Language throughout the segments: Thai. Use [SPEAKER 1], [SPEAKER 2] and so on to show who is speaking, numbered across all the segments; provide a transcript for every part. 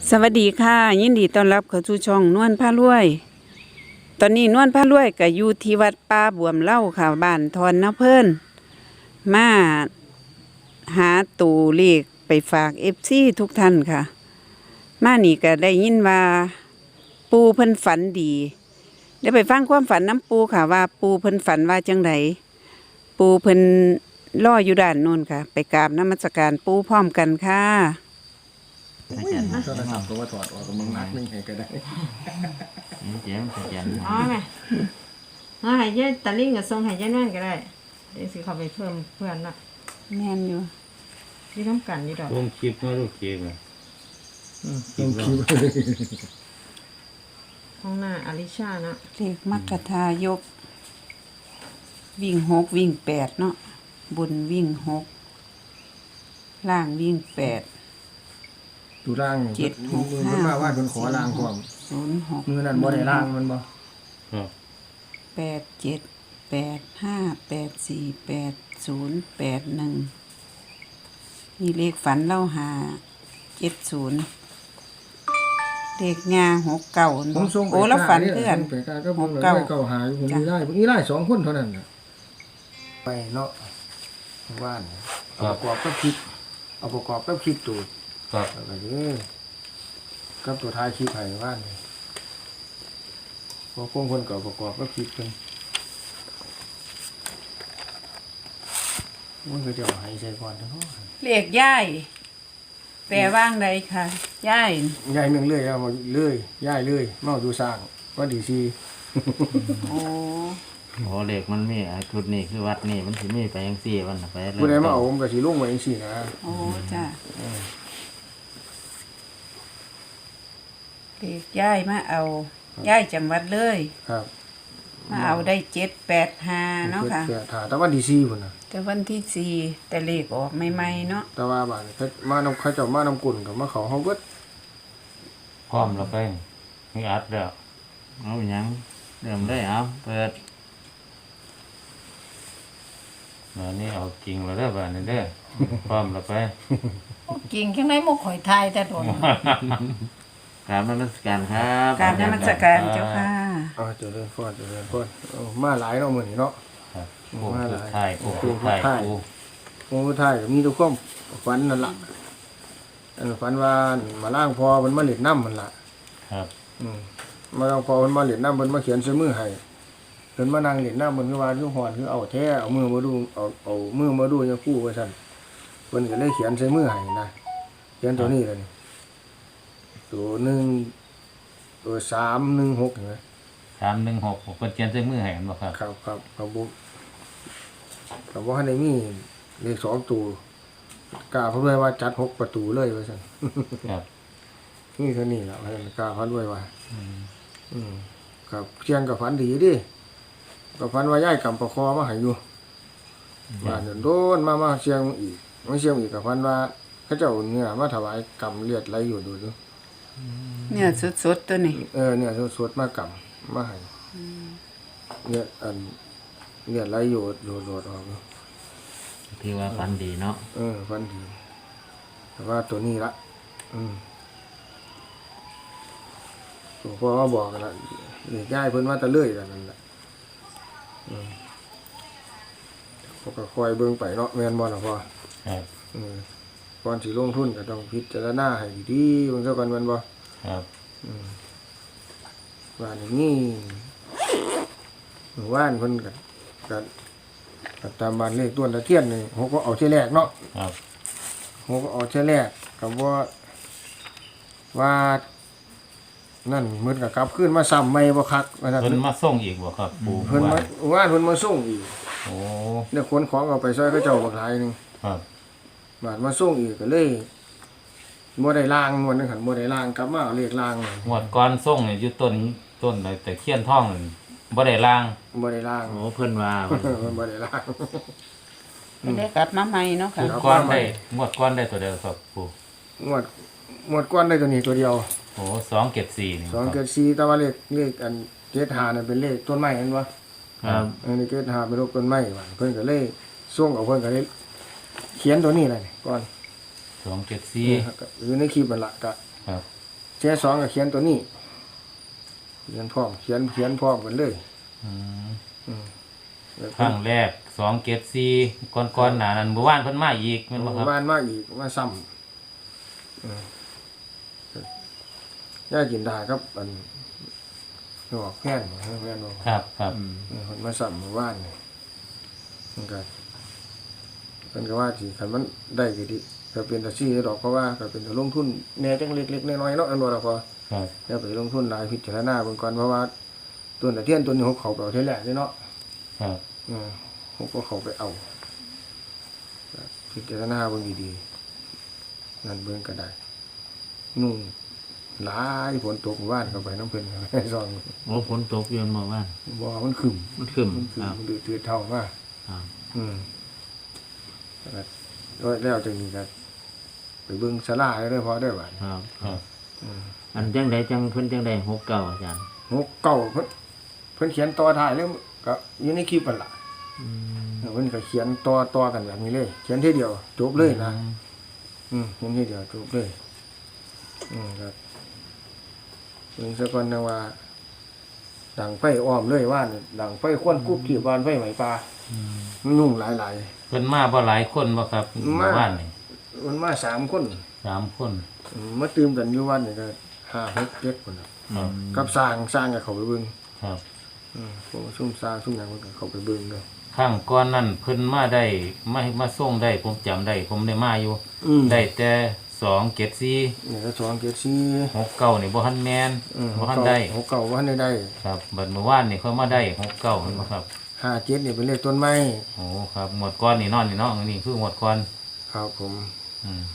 [SPEAKER 1] สวัสดีค่ะยินดีต้อนรับเข้าสู่ช่องนวลพารวย ตอนนี้นวลพารวยก็อยู่ที่วัดป่าบวมเล่าค่ะบ้านทอนนะเพิ่นมาหาตูเลขไปฝากFCทุกท่านค่ะ มานี่ก็ได้ยินว่าปูเพิ่นฝันดีเดี๋ยวไปฟังความฝันน้ำปูค่ะว่าปูเพิ่นฝันว่าจังไดปูเพิ่นรออยู่ด้านโน้นค่ะ ไปกราบนมัสการปูพร้อมกันค่ะ
[SPEAKER 2] โทรศัพท์ตัวถอดออกกับมึงนักนึงให้ก็ได้
[SPEAKER 3] เจ๋งเจ๋ง
[SPEAKER 4] อ๋อไหมเอาให้ยายตะลิ่งกับทรงให้ยายนั่นก็ได้เดี๋ยวสิเขาไปเพิ่มเพื่อนละ
[SPEAKER 1] แม่นอยู่
[SPEAKER 4] ที่ทำกันนี่ดอก
[SPEAKER 3] ลงคลิปมาลูกคลิปอ่ะ
[SPEAKER 2] ต้องคิด
[SPEAKER 4] ห้องหน้าอลิชาเนาะ
[SPEAKER 1] เลขมัคคทายก วิ่ง6วิ่ง8เนาะบนวิ่ง6ล่างวิ่ง8
[SPEAKER 2] ดูร่าง
[SPEAKER 1] เจ็ดหก
[SPEAKER 2] มือมันมาว่าคนขอร่างพร้อม
[SPEAKER 1] 06
[SPEAKER 2] มือนั่นบ่ได้ร่างมันบ่
[SPEAKER 3] ครับ
[SPEAKER 1] 8 7 8 5 8 4 8 0 8 1มีเลขฝันเล่าหา70เลขงา69
[SPEAKER 2] ผมส่ง
[SPEAKER 1] โอ้แล้วฝันเพื่อน
[SPEAKER 2] ไปกาก็ผมเลยเก่าหาอยู่ผมมีได้ผมมีได้2คนเท่านั้นน่ะไปเนาะว่านเอาประกอบกับคลิปเอาประกอบกับคลิปตูด
[SPEAKER 3] ครับ
[SPEAKER 2] แล้วก็กับตัวท้ายคลิปให้ว่านพอคนก็ประกอบกับคลิปเพิ่นมันก็จะเอาให้ใส่ก่อนเนาะ
[SPEAKER 1] เลขย่ายแปลว่างใดค่ะย่าย
[SPEAKER 2] ยายเมืองเลยเอามาเลยย้ายเลยมาดูสร้างว่าดีซี
[SPEAKER 1] โอ้
[SPEAKER 3] โอ้เหล็กมันมีจุดนี้คือวัดนี่มันสิมีไปยังสี่วันไป
[SPEAKER 2] ผู้ใดมาเอาผมก็สิลงไว้จังซี่นะ
[SPEAKER 1] โอ้จ้ะเลขย่ายมาเอาย่ายจังหวัดเลย
[SPEAKER 2] ครับ
[SPEAKER 1] มาเอาได้785เนาะค่ะ
[SPEAKER 2] เพื่อถ้าแต่ว่าดีซีพุ่นน่ะ
[SPEAKER 1] แต่วันที่4แต่เลขออกใหม่ๆเนาะ
[SPEAKER 2] แต่ว่าบ้านเขามานำเขาเจ้ามานำกุ่นก็มาเขาเฮาเบิด
[SPEAKER 3] พร้อมแล้วไปมีอัดแล้วเอาอย่างเริ่มได้เอาเปิดแล้วนี่เอากิ่งแล้วเด้อบ้านนี่เด้อพร้อมแล้วไป
[SPEAKER 4] กิ่งข้างในมุกข่อยทายแต่โดน
[SPEAKER 3] กราบนมัสการครับ
[SPEAKER 1] กราบนมัสการเจ้าค่ะ
[SPEAKER 2] เจริญพรมาหลายเนาะมื้อนี้เนาะ
[SPEAKER 3] ครับผู้สุดท้ายผู้สุดท้ายผู้
[SPEAKER 2] โอ้ท้ายก็มีแทุกความฝันนั่นล่ะฝันว่ามาล้างพอมันมาเล่นน้ำมันล่ะ
[SPEAKER 3] ครับ
[SPEAKER 2] มาล้างพอมันมาเล่นน้ำมันมาเขียนใส่มือให้เพิ่นมานั่งเล่นน้ำมันคือว่าคือฮ้อนคือเอาแท้เอามือมาดูเอามือมาดูจังคู่ว่าซั่นเพิ่นก็เลยเขียนใส่มือให้นะเขียนตัวนี้เลยนี่ตัว1ตัว316เห็นไหม
[SPEAKER 3] 316ผมเขียนใส่มือให้กันบ่ครับ
[SPEAKER 2] ครับว่าในมีเลข2ตัวกล้าพูดด้วยว่าจัด6ประตูเลยว่าซั่น
[SPEAKER 3] ครับ
[SPEAKER 2] นี่เท่านี้ล่ะว่าซั่นกล้าพันด้วยว่าครับเชียงกับฝันดีดิก็ฝันว่าย้ายกำประคอมาให้อยู่บ้านโดนมาเชียงอีกมาเชียงอีกก็ฝันว่าเขาเจ้าเนื้อมาถวายกำเลือดไหลอยู่ดู
[SPEAKER 1] เนี่ยสดๆตัวนี้
[SPEAKER 2] เนี่ยสดๆมากำมาให้เนี่ยเลือดไหลอยู่โดดออก
[SPEAKER 3] ที่ว่าฟันดีเนาะ
[SPEAKER 2] ฝันดีแต่ว่าตัวนี้ละหลวงพ่อมาบอกกันละเด็กย้ายเพิ่นว่าตะเลื่อยกันนั่นแหละเขาก็คอยเบิ่งไปเนาะแม่นบ่ล่ะพ่อ
[SPEAKER 3] ครับ
[SPEAKER 2] ก่อนสิลงทุนก็ต้องพิจารณาให้ดีๆเบิ่งซะก่อนแม่นบ่
[SPEAKER 3] ครับ
[SPEAKER 2] ว่านี่ว่านเพิ่นก็ตามบ้านเลขต้นตะเคียนนี่เขาก็เอาเที่ยแรกเนาะ
[SPEAKER 3] ครับ
[SPEAKER 2] เขาก็เอาเที่ยแรกก็ว่านั่นมื้อก็กลับคืนมาซ้ำใหม่บ่คักว่าซั่น
[SPEAKER 3] เพิ่นมาส่งอีกบ่ครับปู่
[SPEAKER 2] เพิ่นมาว่านเพิ่นมาส่งอีก
[SPEAKER 3] โอ้
[SPEAKER 2] เนี่ยขนของเอาไปซอยเขาเจ้าบักหลายหนึง
[SPEAKER 3] ครับ
[SPEAKER 2] บาดมาส่งอีกก็เลยบ่ได้ล้างนวลนึงหั่นบ่ได้ล้างกลับมาเอาเลขล้างเลย
[SPEAKER 3] งวดก่อนส่งเนี่ยอยู่ต้นแต่เคียนท่องนั่นบ่ได้ล้าง
[SPEAKER 2] บ่ได้ล้าง
[SPEAKER 3] โอ้เพิ่นว่า
[SPEAKER 2] มันบ่ได้ล้าง
[SPEAKER 1] เป็นได้กลับมาใหม่เนาะค่ะ
[SPEAKER 3] งวดก่อนได้งวดก่อนได้ตัวเดียวครับปู่
[SPEAKER 2] งวดก้อนได้ตัวนี้ตัวเดียว
[SPEAKER 3] โอ้274นี่ครับ
[SPEAKER 2] 2เกิด4แต่ว่าเลขอันเกตหานั่นเป็นเลขต้นไม้เห็นบ่
[SPEAKER 3] ครับ
[SPEAKER 2] อันนี้เกตหาเป็นรูปต้นไม้ว่าเพิ่นก็เลยส่งเอาเพิ่นก็เลยเขียนตัวนี้เลยก่อน
[SPEAKER 3] 274
[SPEAKER 2] อยู่ในคลิปนั่นล่ะก็
[SPEAKER 3] ครับ
[SPEAKER 2] แช่สองก็เขียนตัวนี้เขียนพร้อมเขียนพร้อมกันเลย
[SPEAKER 3] อืม
[SPEAKER 2] แล้ว
[SPEAKER 3] ครั้งแรก274ก่อนๆหน้านั้นเมื่อวานเพิ่นมาอีกแม่นบ่ครับ
[SPEAKER 2] บ้านมาอีกมาซ้ำย่ากินได้ครับอันดอกแพนแพนบอก
[SPEAKER 3] ครับครับ
[SPEAKER 2] คนมาซ้ำเมื่อวานนี่มันก็เป็นก็ว่าสิคันมันได้ก็ดีก็เป็นตาซี่ดอกเพราะว่าก็เป็นตาลงทุนแหน่จังเล็กๆน้อยๆเนาะอันว่าล่ะพอ
[SPEAKER 3] ครับ
[SPEAKER 2] อย่าไปลงทุนหลายพิจารณาเบิ่งก่อนเพราะว่าตัวตะเทียนตัวนี้เขาไปเอาเท่าแรกเลยเนาะ
[SPEAKER 3] ครับ
[SPEAKER 2] เขาก็เขาไปเอาพิจารณาเบิ่งดีๆนั่นเบิ่งก็ได้นุ่งหลายฝนตกเมื่อวานเข้าไปน้ำเพิ่นก็ให้ซอง
[SPEAKER 3] โอ้ฝนตกอยู่เมื่อวาน
[SPEAKER 2] บ่มันขึ้น
[SPEAKER 3] มันขึ้น
[SPEAKER 2] มันขึ้น
[SPEAKER 3] ครับ
[SPEAKER 2] มันดือดเท่ามา
[SPEAKER 3] ครับ
[SPEAKER 2] แล้วจังนี้ก็ไปเบิ่งศาลาได้พอได้บาด
[SPEAKER 3] ครับครับอันจังใดจังเพิ่นจังใด69อาจารย์
[SPEAKER 2] หกเก่าเพิ่นเขียนต่อท้ายเลยก็อยู่ในคลิปนั่นล่ะเพิ่นก็เขียนต่อกันแบบนี้เลย เขียนทีเดียวจบเลยนะเขียนทีเดียวจบเลยครับเบิ่งซะก่อนนะว่าดังไฟอ้อมเลยว่านี่ดังไฟควนกุบที่บ้านไฟไหมปลามันนุ่งหลาย
[SPEAKER 3] เพิ่นมาบ่หลายคนบ่ครับเมื่อวานนี่
[SPEAKER 2] ๆมันมา3คน
[SPEAKER 3] 3คน
[SPEAKER 2] มาตื่มกันอยู่วันนี่ก็5 6 7คนน่ะ
[SPEAKER 3] ครับ
[SPEAKER 2] กับสร้างก็เข้าไปเบิ่ง
[SPEAKER 3] ครับ
[SPEAKER 2] พวกซุ่มสร้างซุ่มหยังมันก็เข้าไปเบิ่งเนาะ
[SPEAKER 3] ข้างก่อนนั้นเพิ่นมาได้มาส่งได้ผมจำได้ผมได้มาอยู่ ได้แต่274
[SPEAKER 2] นี่ก็2 7 4
[SPEAKER 3] 69นี่บ่ทันแม่นบ่ทันได้
[SPEAKER 2] 6เก่าบ่ทันได้
[SPEAKER 3] ครับบัดเมื่อวานนี่เขามาได้69เห็นบ่ครับ
[SPEAKER 2] 5 7นี่เป็นเลขต้นไม้
[SPEAKER 3] โอ้ครับหมวดก้อนนี่นอนนี่เนาะอันนี้คือหมวดก้อน
[SPEAKER 2] ครับผม
[SPEAKER 3] อืม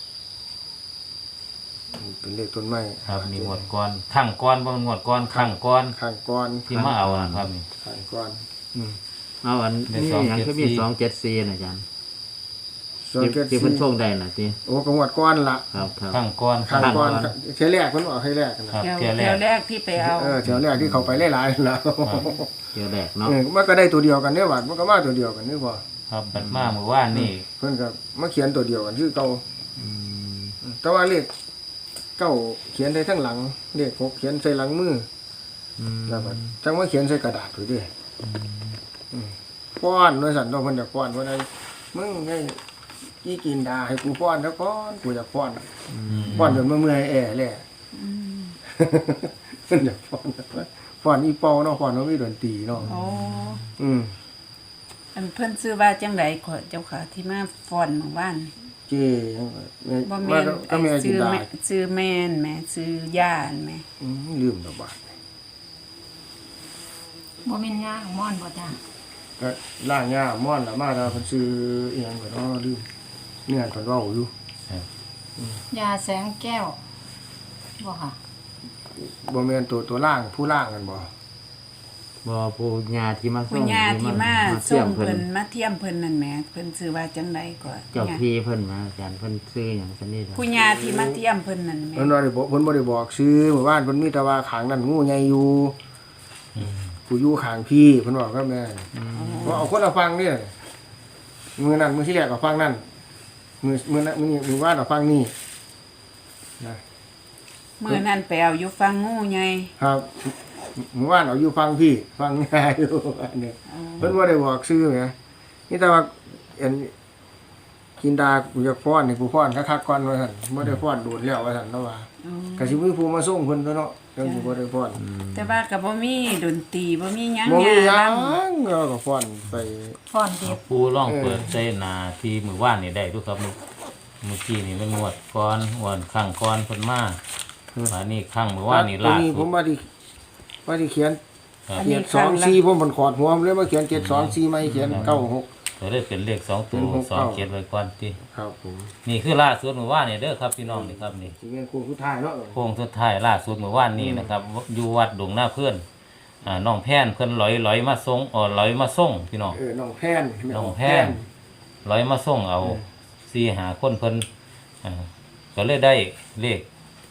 [SPEAKER 2] เป็นเลขต้นไม้
[SPEAKER 3] ครับนี่หมวดก้อนข้างก้อนบ่แม่นหมวดก้อนข้างก้อน
[SPEAKER 2] ข้างก้อน
[SPEAKER 3] ที่มาเอานะครับนี่
[SPEAKER 2] ข้างก้อน
[SPEAKER 5] เอาอัน
[SPEAKER 3] ได้
[SPEAKER 5] นี้
[SPEAKER 3] 274
[SPEAKER 5] อย่างคือมี274นะอาจารย์
[SPEAKER 2] ส่วนเจ็ด
[SPEAKER 5] ที่
[SPEAKER 2] สี่
[SPEAKER 5] เพิ่นโชคได้น่ะติ
[SPEAKER 2] โอ้กงวดก้อนละ
[SPEAKER 5] ครับครับ
[SPEAKER 3] ข้างก้อน
[SPEAKER 2] ข้างก้อนเทแรกเพิ่นบอกให้แรกนะครับ
[SPEAKER 1] แถว
[SPEAKER 3] เที่ยวแร
[SPEAKER 1] แถ
[SPEAKER 3] ก
[SPEAKER 1] วแรกที่ไปเอา
[SPEAKER 2] แถวแรกที่เขาไปหลายๆแล้ว
[SPEAKER 5] เที่ยวแรกเนาะ
[SPEAKER 2] มันก็ได้ตัวเดียวกันเนี่ยหวัดมันก็มาตัวเดียวกันนี่พอ
[SPEAKER 3] ครับบัดมาเมื่อวานนี่
[SPEAKER 2] เพิ่นก็มาเขียนตัวเดียวกันคือเก่า
[SPEAKER 5] อืม
[SPEAKER 2] แต่ว่าเลขเก้าเขียนได้ทั้งหลังเลข6เขียนใส่หลังมือ
[SPEAKER 5] อืม
[SPEAKER 2] แล้วก็จังว่าเขียนใส่กระดาษไว้ด้วยป้อนด้วยสันต้องเพิ่นอยากป้อนว่านั้นมึงไงกี่กินดาให้กูป้อนแล้วก่อนกูอยากป้อนป้อนจนเมื่อยแอ่แหละเพิ่นอยากป้อนอีเปาเนาะป้อนว่ามีดนตรีเนาะ
[SPEAKER 1] โอ้
[SPEAKER 2] อืม
[SPEAKER 1] อันเพิ่นซื้อว่าจังไดขอเจ้าค่ะที่มาฟ้อนเมื่อวาน
[SPEAKER 2] เจ้แม่
[SPEAKER 1] บ่
[SPEAKER 2] มา
[SPEAKER 1] แม่น
[SPEAKER 2] ก็แม่กิ
[SPEAKER 1] ซื้
[SPEAKER 2] น
[SPEAKER 1] อ
[SPEAKER 2] ดา
[SPEAKER 1] แม่ซื้อแม่นแม่ซื้อย่านแม่
[SPEAKER 2] ลืมดอกบาท
[SPEAKER 6] บ่แม่นย่างม่อนบ่จ้า
[SPEAKER 2] ก็ล่างหญ้าม่อนละมาแล้วเพิ่นซื้ออีหยังก็เนาะลืมเนี่ยเพิ่นเว้าอยู่
[SPEAKER 6] ยาแสงแก้วบ่ค่ะ
[SPEAKER 2] บ่แม่นตัวล่างผู้ล่างกันบ่
[SPEAKER 5] บ่ผู้ญาที่มาส่
[SPEAKER 1] ผู้
[SPEAKER 5] ง
[SPEAKER 1] ย่าที่มา
[SPEAKER 5] เสี่
[SPEAKER 1] ส่
[SPEAKER 5] ย
[SPEAKER 1] ง
[SPEAKER 5] มเพิ่
[SPEAKER 1] เพิ่
[SPEAKER 5] น
[SPEAKER 1] นมาเทียมเพิ่นนั่นแหม่เพิ่นซื้อว่าจังไดก็
[SPEAKER 5] เจ้าพี่เพิ่นมาอาจารย์เพิ่นซื้อหยังซั่นนี่ล่ะ
[SPEAKER 1] ผู้ย่าที่มาเทียมเพิ่นนั่นแหม่
[SPEAKER 2] เพิ่นบ่ได้บอกเพิ่นบ่ได้บอกชื่อหมู่บ้านเพิ่นมีแต่ว่าข้างนั้นงูใหญ่อยู่ผู้อยู่ข้างพี่เพิ่นบอกกับแม่ว่าเอาคนละฟังนี่มือนั้นมือที่แรกก็ฟังนั่นมือนั้นมือว่านเอาฟังนี่นะ
[SPEAKER 1] มื้อนั้นไปเอาอยู่ฟังงูใหญ่
[SPEAKER 2] ครับมือว่านเอาอยู่ฟังพี่ฟังง่ายอยู่อันนี้เพิ่นบ่ได้บอกชื่อแหมนี่แต่ว่าอันกินดากูจะฟ้อนนี่กูฟ้อนคักๆก่อนว่าซั่นบ่ได้ฟ้อนโดดแล้วว่าซั่นเนาะว่า
[SPEAKER 1] อ๋อ
[SPEAKER 2] ก็สิมีผู้มาส่งเพิ่นตัวเนาะจังสิบ่ได้ฟ้อน
[SPEAKER 1] แต่ว่าก็บ่มีดนตรีบ่มีหยัง
[SPEAKER 2] บ่มีหยั
[SPEAKER 1] ล
[SPEAKER 2] งเราก็ฟ้อนไป
[SPEAKER 6] ฟ้อนเด็บ
[SPEAKER 3] ปูร่องเปิดใส่หนาที่มือว่านนี่ได้ดูครับเมื่อกี้นี่มันงวดก้อนงวดข้างก้อนเพิ่นมาอันนี้ข้างมือว่านนี่
[SPEAKER 2] ตัว
[SPEAKER 3] ลาก
[SPEAKER 2] นี้
[SPEAKER 3] สุ
[SPEAKER 2] ผ
[SPEAKER 3] ด
[SPEAKER 2] มว่าที่เขียน
[SPEAKER 3] ครับ
[SPEAKER 2] เขียน2 4ผมมันขอดหัวมันเลยมาเขียน7 2 4ไม่เขียน96
[SPEAKER 3] ก็เลยเป็นเลข2ตัว
[SPEAKER 2] เป็น6
[SPEAKER 3] 2เขียนไว้ก่อนติ
[SPEAKER 2] ครับผม
[SPEAKER 3] นี่คือล่าสุดมือว่านนี่เด้อครับพี่น้องนี่ครับนี่
[SPEAKER 2] สิเป็นคู่สุดท้ายเนาะ
[SPEAKER 3] โค้งสุดท้ายล่าสุดมือว่านนี่นะครับอยู่วัดดงหน้าเพื่อนน้องแพนเพิ่นลอยมาส่งลอยมาส่งพี่น้อง
[SPEAKER 2] น้องแพน
[SPEAKER 3] น้องแพนลอยมาส่งเอา4-5คนเพิ่นก็เลยได้เลข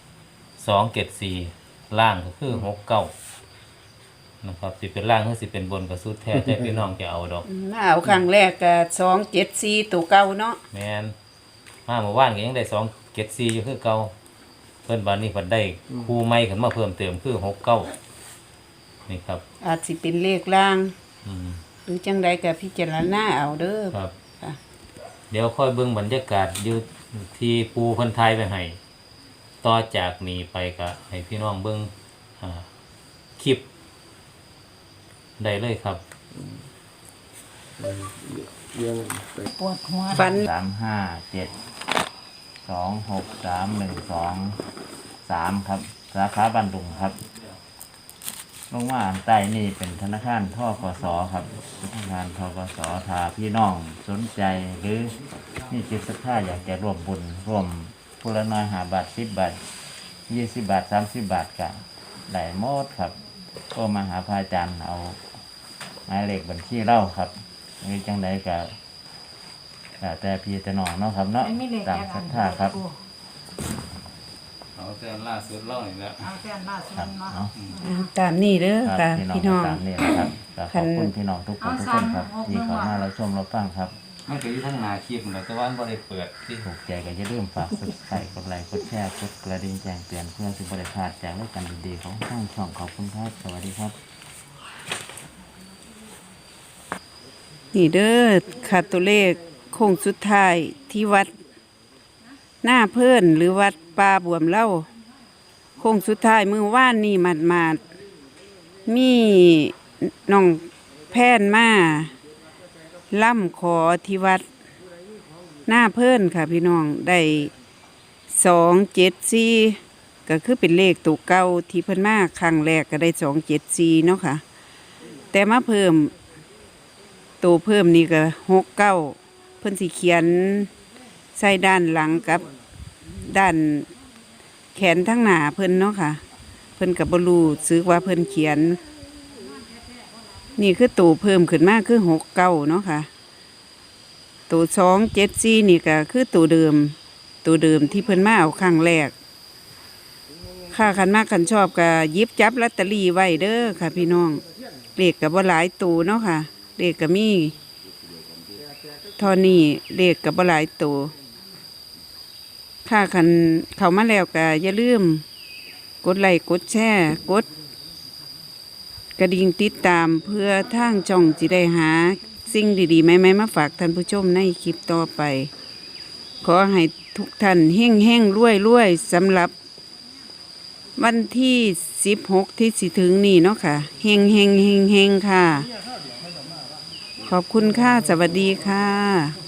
[SPEAKER 3] 274ล่างก็คือ69นะครับสิเป็นล่างหรือสิเป็นบนก็สุดแท้แต่พี่น้องจะเอาดอก
[SPEAKER 1] ำมาเอาครั้งแรกก็274ตัวเก่าเนาะ
[SPEAKER 3] แม่นมาเมื่อวานก็ยังได้274อยู่คือเก่าเพิ่นบานนี้เพิ่นได้คู่ใหม่ขึ้นมาเพิ่มเติมคือ69นี่ครับ
[SPEAKER 1] อาจสิเป็นเลขล่าง
[SPEAKER 3] อืม
[SPEAKER 1] หรือจังใดก็พิจารณาเอาเด้อ
[SPEAKER 3] ครับ
[SPEAKER 1] ค่ะ
[SPEAKER 3] เดี๋ยวค่อยเบิ่งบรรยากาศอยู่ที่ปูเพิ่นทายไปให้ต่อจากนี้ไปก็ให้พี่น้องเบิ่งคลิปได้เลยครับ
[SPEAKER 2] เรื่องไป
[SPEAKER 6] ปวดหัว
[SPEAKER 1] ฟัน
[SPEAKER 5] 357263123ครับสาขาบ้านดุงครับลงมาอันใต้นี่เป็นธนาคารทกสครับธนาคารทกสถ้าพี่น้องสนใจหรือนี่จิตศรัทธาอยากจะร่วมบุญร่วมผู้ละน้อย5 บาท10 บาท20 บาท30 บาทก็ได้หมดครับก็มาหาพระอาจารย์เอาหมายเลขบัญชีเล่าครับมีจังใดก็แต่พี่แต่น้องเนาะครับเนาะ
[SPEAKER 6] ไม่มีเลข
[SPEAKER 5] ตามศรัทธาครับ
[SPEAKER 3] เอาแต่ล่าสุดเล่านี่แหละ
[SPEAKER 6] เอาแค่ล่าสุด
[SPEAKER 5] ครับ
[SPEAKER 6] เนาะ
[SPEAKER 5] เนาะ
[SPEAKER 1] ตามนี้เด้อ
[SPEAKER 5] ครับ
[SPEAKER 1] ค่ะ
[SPEAKER 5] พี่
[SPEAKER 1] พี่
[SPEAKER 5] น้
[SPEAKER 1] น้
[SPEAKER 5] อ
[SPEAKER 1] อง ง
[SPEAKER 5] ตามนี้นะครับก็ข
[SPEAKER 1] คั
[SPEAKER 5] อน บคุณพี่น้องทุกคนทุกคนครับที่เข้ามาเราชมเราฟังครับ
[SPEAKER 3] มันก็อยู่ทั้งหน้าคลิปนั่นแหละแต่ว่ามันบ่ได้เปิดที่
[SPEAKER 5] ถูกใจก็อย่าลืมฝากsubscribe กดไลค์กดแชร์กดกระดิ่งแจ้งเตือนเพื่อสิบริพลาดจากรายการดีๆของทางช่องขอบคุณครับสวัสดีครับ
[SPEAKER 1] นี่เด้อค่ะตัวเลขโค้งสุดท้ายที่วัดหน้าเพิ่นหรือวัดป่าบวมเล่าโค้งสุดท้ายมือว่านนี่มาดมีน้องแพนมาล่ำขอที่วัดหน้าเพิ่นค่ะพี่น้องได้274ก็คือเป็นเลขตัวเก่าที่เพิ่นมาครั้งแรกก็ได้274เนาะค่ะแต่มาเพิ่ม ตัวเพิ่มนี่ก็69เพิ่นสิเขียนใส่ด้านหลังกับด้านแขนทั้งหน้าเพิ่นเนาะค่ะ เพิ่นก็บ่รู้สึกว่าเพิ่นเขียน นี่คือตัวเพิ่มขึ้นมาคือ69เนาะค่ะ ตัว274นี่ก็คือตัวเดิมที่เพิ่นมาเอาครั้งแรกค่าคันมากคันชอบก็หยิบจับลอตเตอรี่ไว้เด้อค่ะพี่น้องเลขก็บ่หลายตัวเนาะค่ะ เลขก็มีเท่านี้เลขก็บ่หลายตัวค่าคันเข้ามาแล้วก็อย่าลืมกดไลค์กดแชร์กดกระดิ่งติดตามเพื่อทางช่องจิได้หาสิ่งดีๆใหม่ๆมาฝากท่านผู้ชมในคลิปต่อไป ขอให้ทุกท่านเฮ่งเฮ่งรวยรวยสำหรับวันที่16ที่สิถึงนี่เนาะค่ะเฮ่งเฮ่งเฮ่งเฮ่งค่ะ ขอบคุณค่ะ สวัสดีค่ะ